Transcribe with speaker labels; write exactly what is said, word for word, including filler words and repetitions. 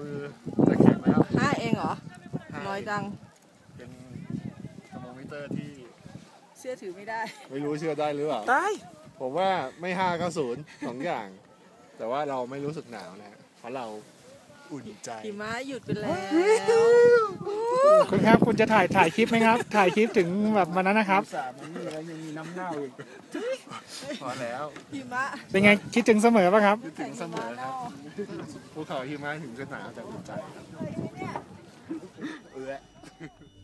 Speaker 1: มือจะแข็งแล้ว
Speaker 2: ห้าเองเหรอน้อยจัง
Speaker 1: เป็นเทอร์โมมิเตอร์ที่
Speaker 2: เชื่อถือไม่ได้
Speaker 1: ไม่รู้เชื่อได้หรือเปล่า
Speaker 2: ได้
Speaker 1: ผมว่าไม่ห้าก็ศูนย์สองอย่างแต่ว่าเราไม่รู้สึกหนาวนะเพราะเราอุ่นใจ
Speaker 2: หิมะหยุดไปแล้ว
Speaker 3: คุณครับคุณจะถ่ายถ่ายคลิปไหมครับถ่ายคลิปถึงแบบวันนั้นนะครับ
Speaker 1: สามนี่แล้วยังมีน้ำเน่าอีกพอแล้ว
Speaker 2: หิมะ
Speaker 3: เป็นไงคิดถึงเสมอป่ะครับ
Speaker 1: คิดถึงเสมอครับภูเขาหิมะถึงจะหนาวแต่อุ่นใจครับเออ